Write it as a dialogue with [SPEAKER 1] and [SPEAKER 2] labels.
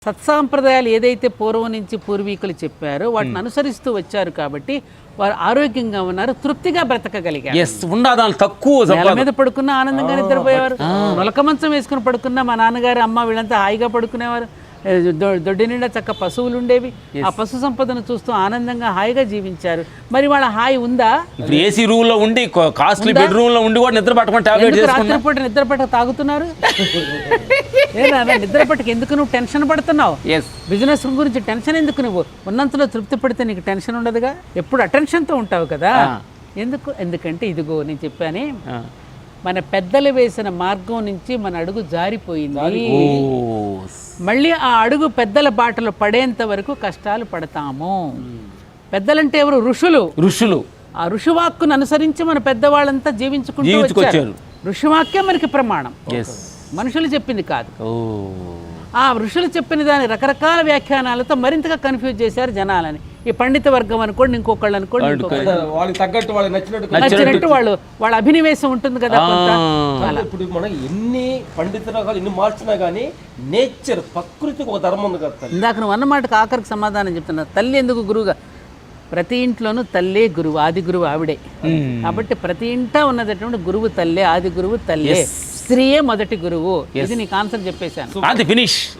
[SPEAKER 1] సత్సాంప్రదాయాలు ఏదైతే పూర్వం నుంచి పూర్వీకులు చెప్పారో వాటిని అనుసరిస్తూ వచ్చారు కాబట్టి వారు ఆరోగ్యంగా ఉన్నారు, తృప్తిగా బ్రతకగలిగారు.
[SPEAKER 2] ఉండదాని తక్కువ
[SPEAKER 1] నేల మీద పడుకున్న ఆనందంగా నిద్రపోయేవారు, మొలక మంచం వేసుకుని పడుకున్న మా నాన్నగారు అమ్మ వీళ్ళంతా హాయిగా పడుకునేవారు. దొడ్డి నిండా చక్క పశువులు ఉండేవి, ఆ పశు సంపదను చూస్తూ ఆనందంగా హాయిగా జీవించారు. మరి వాళ్ళ హాయి ఉందా?
[SPEAKER 2] ఇప్పుడు ఏసీ రూమ్ లో ఉండి కాస్ట్లీ బెడ్ రూమ్ లో ఉండి కూడా నిద్ర పట్టుకొని టాబ్లెట్
[SPEAKER 1] రాత్రిపూట నిద్ర పట్టక తాగుతున్నారు? నిద్ర పట్టక ఎందుకు నువ్వు టెన్షన్ పడుతున్నావు? బిజినెస్ గురించి టెన్షన్ ఎందుకు? నువ్వు ఉన్నంతలో తృప్తి పడితే నీకు టెన్షన్ ఉండదుగా, ఎప్పుడు అటెన్షన్తో ఉంటావు కదా. ఎందుకంటే ఇదిగో నేను చెప్పానే, మన పెద్దలు వేసిన మార్గం నుంచి మన అడుగు జారిపోయింది. మళ్ళీ ఆ అడుగు పెద్దల బాటలో పడేంత వరకు కష్టాలు పడతాము. పెద్దలంటే ఎవరు? ఋషులు. ఆ ఋషివాక్కును అనుసరించి మన పెద్దవాళ్ళంతా జీవించుకుంటూ వచ్చారు. ఋషివాక్యం మనకి ప్రమాణం, మనుషులు చెప్పింది కాదు. ఆ ఋషులు చెప్పిన దాని రకరకాల వ్యాఖ్యానాలతో మరింతగా కన్ఫ్యూజ్ చేశారు జనాలని. ఈ పండిత వర్గం అనుకోండి, ఇంకొకళ్ళు అనుకోండి, నచ్చినట్టు వాళ్ళ అభినివేశం ఉంటుంది కదా.
[SPEAKER 3] ఇప్పుడు మనం ఎన్ని పండిత రకాలు ఎన్ని మార్చినా కానీ నేచర్ ప్రకృతికి ఒక ధర్మం ఉంది కదా.
[SPEAKER 1] ఇందాక నువ్వు అన్నమాటకు ఆఖరికి సమాధానం చెప్తున్నా. తల్లి ఎందుకు గురువుగా? ప్రతి ఇంట్లోనూ తల్లే గురువు, ఆది గురువు ఆవిడే. కాబట్టి ప్రతి ఇంట ఉన్నటువంటి గురువు తల్లే, ఆది గురువు తల్లే, స్త్రీయే మొదటి గురువు. ఇది నీకు ఆన్సర్ చెప్పేశాను.